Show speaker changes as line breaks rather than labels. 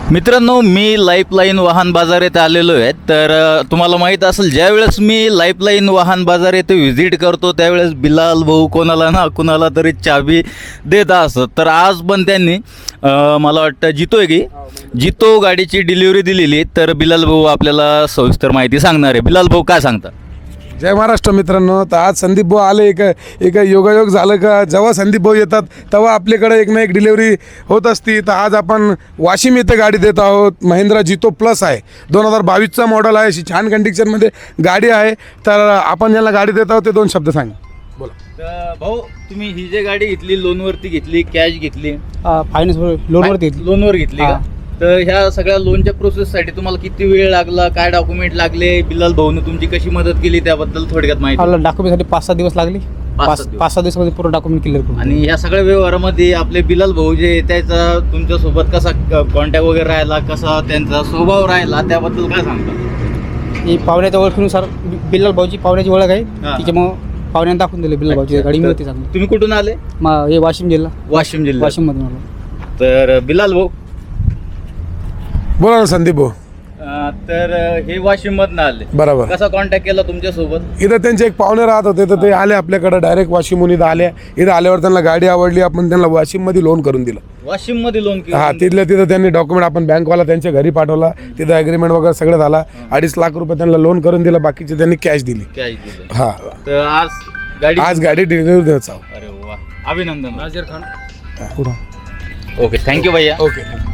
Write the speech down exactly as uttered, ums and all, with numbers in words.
मित्रांनो, मी लाईफलाईन वाहन बाजार येथे आलेलो आहे. तर अ, तुम्हाला माहीत असेल, ज्यावेळेस मी लाईफलाईन वाहन बाजार येथे व्हिजिट करतो त्यावेळेस बिलाल भाऊ कोणाला ना कुणाला तरी चाबी देत असत. तर आज पण त्यांनी अ, मला वाटतं जितो आहे की जितो गाडीची डिलिव्हरी दिलेली. तर बिलाल भाऊ आपल्याला सविस्तर माहिती सांगणार आहे. बिलाल भाऊ काय सांगता?
जय महाराष्ट्र मित्रांनो. तर आज संदीप भाऊ आले. एक एक योगायोग झालं का जेव्हा संदीप भाऊ येतात तेव्हा आपल्याकडे एक ना एक डिलिव्हरी होत असती. तर आज आपण वाशिम येथे गाडी देत आहोत. महिंद्रा जितो प्लस आहे, दोन हजार बावीसचा मॉडल आहे. अशी छान कंडिशनमध्ये गाडी आहे. तर आपण ज्याला गाडी देत आहोत ते दोन शब्द सांगा. बोला.
तर भाऊ, तुम्ही ही जी गाडी घेतली लोनवरती घेतली, कॅश घेतली?
फायनान्स लोनवरती
लोनवर घेतली का? तर ह्या सगळ्या लोनच्या प्रोसेससाठी तुम्हाला किती वेळ लागला, काय डॉक्युमेंट लागले, बिलाल भाऊने तुमची कशी मदत केली त्याबद्दल थोडक्यात माहिती.
मला डॉक्युमेंटसाठी पाच सहा दिवस लागले.
पाच
पाच
सहा दिवस.
पाच सहा दिवसामध्ये पूर्ण डॉक्युमेंट क्लिअर करून.
आणि ह्या सगळ्या व्यवहारामध्ये आपले बिलाल भाऊ जे त्याचा तुमच्यासोबत कसा कॉन्टॅक्ट वगैरे राहिला, कसा त्यांचा स्वभाव राहिला, त्याबद्दल काय सांगता?
ही पाहुण्याच्या ओळखीनुसार बिल्लाल भाऊची पाहुण्याची ओळख आहे.
हा.
त्याच्यामुळे पाहुण्याने दाखवून दिले बिल्लाल भाऊची गाडी मिळते चांगली.
तुम्ही कुठून आले?
मा- हे वाशिम जिल्हा
वाशिम जिल्हा.
वाशिममधून आलो.
तर बिलाल भाऊ,
बोला ना संदीप भाऊ.
अं, तर हे वाशिम मधनं आले.
बरोबर.
कसा कॉन्टॅक्ट केला तुमच्यासोबत?
इथं त्यांचे एक पाहुणे राहत होते तर ते आले आपल्याकडे डायरेक्ट वाशिमहून इथं आले. इथं आल्यावर त्यांना गाडी आवडली. आपण त्यांना वाशिममध्ये लोन करून दिलं.
वाशिम मध्ये लोन
हा, तिथल्या तिथं त्यांनी डॉक्युमेंट आपण बँकवाला त्यांच्या घरी पाठवला. तिथं ॲग्रीमेंट वगैरे सगळं झाला. अडीच लाख रुपये त्यांना लोन करून दिलं. बाकीचे त्यांनी कॅश दिली.
कॅश दिलं.
हा,
तर आज गाडी
आज गाडी डिलिव्हरी द्यायचं.
अरे वा, अभिनंदन.
नाझीर खान.
पुढं.
ओके, थँक्यू भैया.
ओके.